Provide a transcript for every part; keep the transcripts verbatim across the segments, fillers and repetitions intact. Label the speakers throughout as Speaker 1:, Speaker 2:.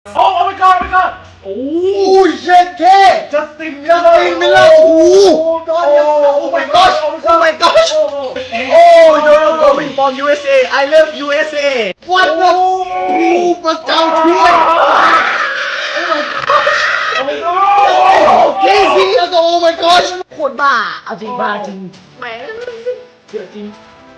Speaker 1: โอ้ my god my god โอ้ยเช็ดเท่ Justin
Speaker 2: Justin Miller โอ้โห Oh my gosh Oh my gosh Oh no no coming from ยู เอส เอ I love ยู เอส เอ What the พระเจ้าช่วย Casey แล้วก็ Oh my gosh โคตรบ้าเอาจริงบ้าจริงแหมเดือดจริง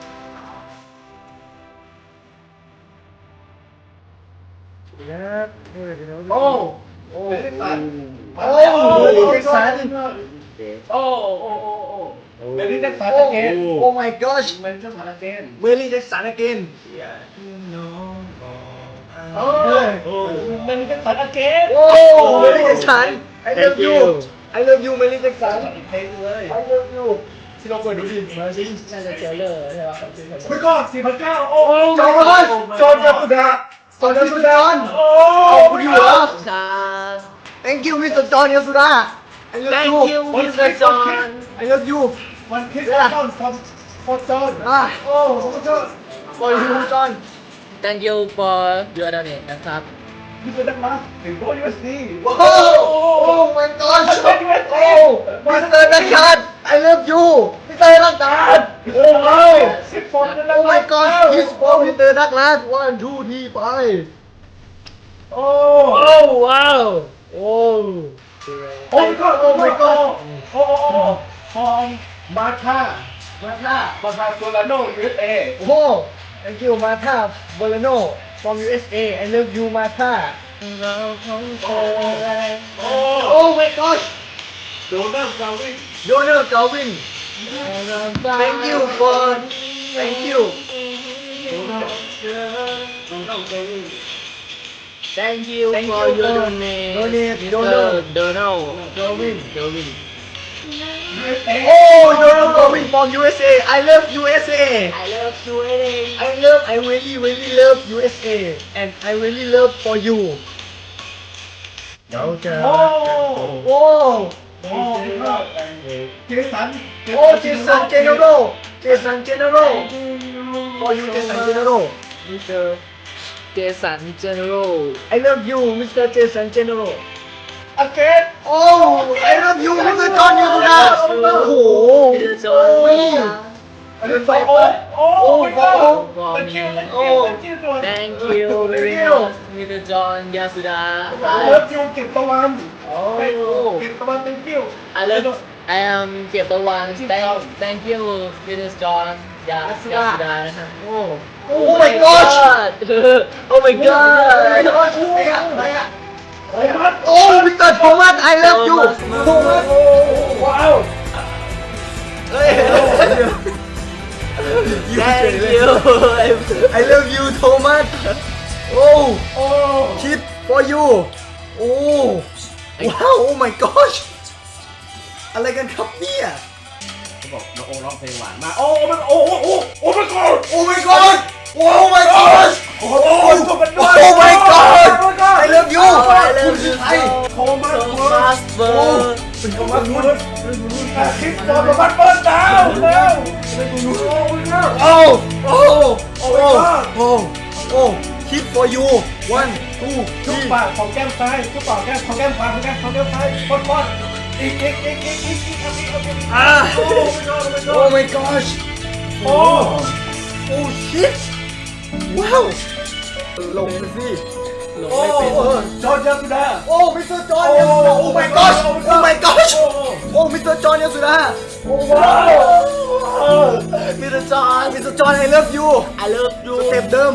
Speaker 2: โอ้โอ้โอ้เจสันโอ้โอ้โอ้โอ้เมลี่แจ็คสัน again Oh my gosh
Speaker 1: เมลี่แจ็คสัน again
Speaker 2: เมลี่แจ็คสัน again
Speaker 1: โอ้เมลี่แจ็คสัน again
Speaker 2: โอ้เมลี่แจ็คสัน I love you I love you เมลี่แจ็คสัน
Speaker 1: อีกเพลงเลย
Speaker 2: I love you
Speaker 1: ที่เราเปิดดูสิมาสิ
Speaker 2: น่าจะเทรลเลอร์ใช่ไหม
Speaker 1: ไม่ก็สี่พันเก้าโอ้
Speaker 2: จอห์นจอห์นยาสุดาจอห์นยาสุดา
Speaker 1: โอ้
Speaker 2: ขอบคุณอยู่ครับ Thank you มิสเตอร์จอห์นยาสุดา I love
Speaker 3: Thank
Speaker 2: you
Speaker 3: you, Mister John.
Speaker 2: I love you
Speaker 1: วันคิดว่าจอห์นฟอร์จอห์น
Speaker 2: อ่ะ
Speaker 1: โอ้ฟอร์จอห์น
Speaker 2: for you จอห์น
Speaker 3: Thank you for your donate นะครับ
Speaker 1: นี่เป็นนักมาถึงโบยูเอสดี
Speaker 2: โอ้ Oh my gosh โอ้มิสเตอร์นักการ I love you มิสเตอร์นักการ
Speaker 1: โอ้โหสิบฟอนต์นั่น
Speaker 2: Oh my gosh kiss for มิสเตอร์นักการ one two three ไป
Speaker 1: โอ้
Speaker 3: โอ้ว้าวโอ้
Speaker 1: โอ้ my god โอ้ my god โอ้โอ้โอ้ฟองมาท่า
Speaker 2: มาท่า
Speaker 1: มาท่าโซลาโน ยู เอส เอ
Speaker 2: โอ้ Thank you มาท่าเบอร์โน from ยู เอส เอ I love you มาท่า
Speaker 3: เราของเธอ
Speaker 1: โอ้
Speaker 2: Oh my gosh
Speaker 1: โดนัลด์กาวิน
Speaker 2: Donald Galvin Thank you for Thank you
Speaker 1: โดนัลด์โดนัลด์กาวิน
Speaker 3: Thank you
Speaker 2: Thank
Speaker 3: for
Speaker 2: you
Speaker 3: your
Speaker 2: for
Speaker 3: donate
Speaker 2: donate
Speaker 3: Mister
Speaker 2: Donald
Speaker 3: Donald
Speaker 2: Galvin
Speaker 3: Galvin
Speaker 2: Oh Donald Galvin from ยู เอส เอ I love ยู เอส เอ
Speaker 3: I love you
Speaker 2: I love I really really love ยู เอส เอ and I really love for you เดี๋ยวจะ
Speaker 1: โอ้
Speaker 2: โอ้
Speaker 1: โอ้เจสัน
Speaker 2: โอ้ Jason General Jason General for you Jason General
Speaker 3: Mister Jason General
Speaker 2: I love you Mister Jason General
Speaker 1: อาเกต
Speaker 2: Oh I love you Mister John ยูสุดาโอ้โห
Speaker 3: Mister John
Speaker 1: อันนี้ไฟโอ้โอ้ไม่ก็ตะเกียบตะเกียบตะเกียบตัว
Speaker 3: Thank you very much Mister John Yasuda
Speaker 1: เลิฟยูเก็บตะวัน
Speaker 3: โอ้
Speaker 1: เก็บตะวัน thank you
Speaker 3: I love I am เก็บตะวัน Thank Thank you Mister John Yasuda นะครับ
Speaker 2: โอ้ Oh my gosh
Speaker 3: Oh my god
Speaker 2: โอ้ Mister Thomas I love you Thomas
Speaker 1: ว้าว
Speaker 2: เฮ้ย
Speaker 3: Thank you
Speaker 2: I love you Thomas โอ้
Speaker 1: โอ้
Speaker 2: Kid for you โอ้ว้าว Oh my gosh อะไรกันครับเนี่ย
Speaker 1: เขาบอกน้องโอร้องเพลงหวานมากโอ้มันโอ้โอ้โอ้ my god
Speaker 2: Oh my god Oh my gosh
Speaker 1: โอ้โหตัวเป็นด้วย
Speaker 2: Oh my god I love you
Speaker 3: I love you
Speaker 2: ไอ้
Speaker 1: โทมัส
Speaker 3: so
Speaker 1: เวิร์ด
Speaker 3: much
Speaker 2: โอ้
Speaker 3: bird
Speaker 1: เป็นโทมัสเวิร์ดคลิปโทมัสเวิร์ดดาวแล้วโอ้
Speaker 2: โอ้ โอ้ โอ้ โอ้ โอ้ Kid for you one two
Speaker 1: ชุบ
Speaker 2: three
Speaker 1: ปากของแก้มซ้ายชุบปากแก้มของแก้มขวาของแก้มของแก้มซ้ายปอดปอดอีกอีกอีกอีกอีกอีกอีกอีก
Speaker 2: อ่า
Speaker 1: โอ้
Speaker 2: Oh my gosh
Speaker 1: โอ้
Speaker 2: โอ้ shit ว้าวลงไปสิ
Speaker 3: ลง
Speaker 1: โอ้
Speaker 3: ไม่เป็น
Speaker 1: จอร์จยาสุดา
Speaker 2: โอ้ มิสเตอร์จอห์นยาสุดา Oh my gosh Oh my gosh โอ้ มิสเตอร์จอห์นยาสุดา
Speaker 1: โอ้ว้าว
Speaker 2: มิสเตอร์จอห์นมิสเตอร์จอห์น I love you
Speaker 3: I love you
Speaker 2: สเต็ปเดิม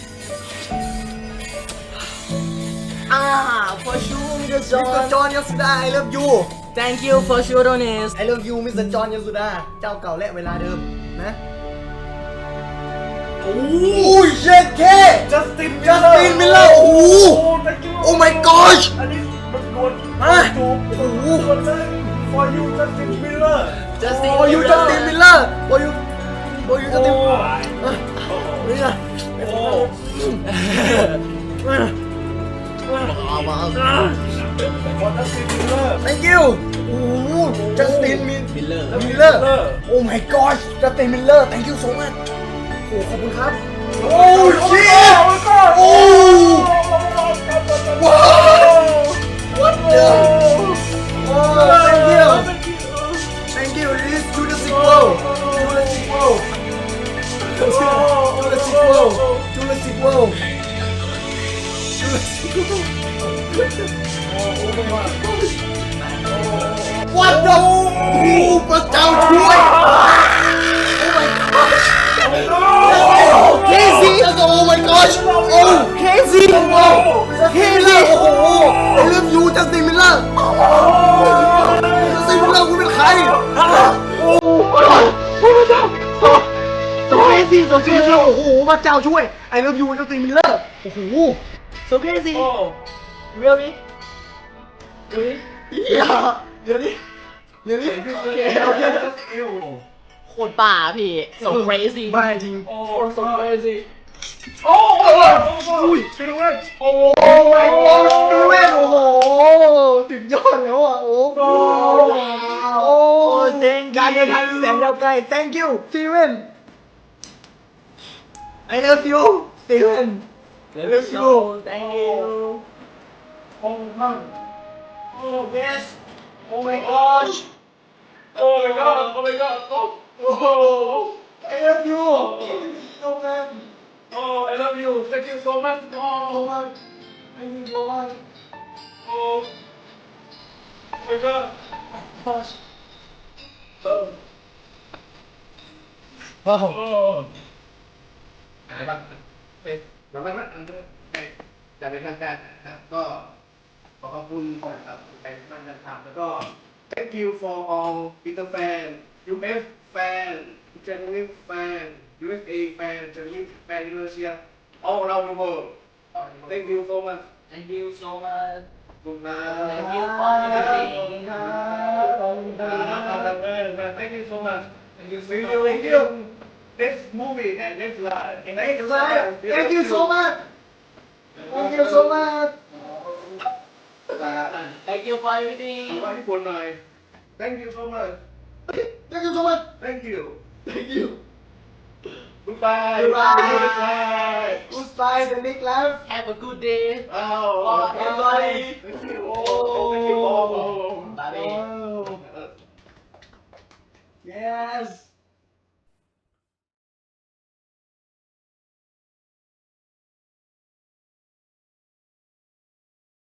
Speaker 3: อ่า for sure Mister
Speaker 2: มิสเตอ
Speaker 3: John
Speaker 2: ร์จอห์นยาสุดา I love you
Speaker 3: Thank you for your donate
Speaker 2: I love you มิสเตอร์จอห์นยาสุดา เจ้าเก่าและเวลาเดิมนะ
Speaker 1: โอ้
Speaker 2: โอ้ยเช็ดแค่
Speaker 1: จัสติน
Speaker 2: Justin Miller โอ้โห
Speaker 1: thank you
Speaker 2: Oh my gosh
Speaker 1: อันนี้มันโดน
Speaker 2: ฮะ
Speaker 1: จูบ
Speaker 2: โอ้โห
Speaker 1: โดนเลย for you Justin Miller
Speaker 3: Justin
Speaker 2: For you Justin Miller For you For you
Speaker 1: โอ้
Speaker 2: Justin
Speaker 1: โอ้
Speaker 2: นี่นะ
Speaker 1: โอ้
Speaker 3: เอามา
Speaker 1: for Justin Miller
Speaker 2: Thank you โอ้โห Justin Miller
Speaker 3: Miller
Speaker 2: Miller Oh my gosh Justin Miller Thank you so much โอ้ขอบคุณครับ โอ้ shit โอ้ว้า What the โอ้พระเจ้าช่วย Casey oh my gosh oh Casey Casey โอ้โห I love you จัสตินมิลเลอร์จัสตินมิลเลอร์คุณเป็นใครโอ้พระเจ้าโซเคซี่โซเคซี่โอ้โหพระเจ้าช่วย I love you จัสตินมิลเลอร์โอ้โหโซเคซี่ really really อย่าเดี๋ยวนี้เดี๋ยวนี้โอเคโอเค
Speaker 3: โคตรป่าพี่ so crazy
Speaker 2: ไม่จริง
Speaker 1: โอ้ so crazy โอ้โอ้อุ้ยช่วยด้วยโอ้
Speaker 2: โอ้ไม่โอ้ดูเว้นโอ้โหถึงยอดแล้วอ่ะโอ้โหโอ้
Speaker 3: thank you
Speaker 2: การเดินทางแสนยาวไกล thank you Steven I love you Steven I love you
Speaker 3: thank you
Speaker 1: โอ้มั่งโอ้ yes oh my gosh oh my god oh my god oh
Speaker 2: I love you so much
Speaker 1: oh I love you thank you so much
Speaker 2: so
Speaker 1: oh
Speaker 2: much thank you so much
Speaker 1: oh my god
Speaker 2: gosh
Speaker 1: oh
Speaker 2: ว้าว
Speaker 1: oh
Speaker 2: อะไรบ้างเป็นแบบนั้นอันนี้จะเป็นทางการนะครับก็ขอขอบคุณครับไปนั่งกันถามแล้วก็ thank you for all Peter fan ยู เอฟ fan Germany fan ยู เอส เอ fan Germany fan Indonesia all around the world thank you so much
Speaker 3: thank you so much
Speaker 2: ขอบคุณนะ
Speaker 3: Thank you for everything
Speaker 2: ขอบคุณครับขอบคุณครับ
Speaker 1: thank you so much
Speaker 2: thank you thank you thank you
Speaker 1: next movie and next live
Speaker 2: thank you thank you so much thank you so much
Speaker 3: thank you for everything
Speaker 1: ว่าญี่ปุ่นหน่อย thank you so much
Speaker 2: thank you so much
Speaker 1: thank you
Speaker 2: thank you
Speaker 1: goodbye
Speaker 2: goodbye goodbye the next life
Speaker 3: have a good day
Speaker 1: oh
Speaker 3: for everybody
Speaker 1: thank you oh thank you oh
Speaker 3: bye
Speaker 2: yes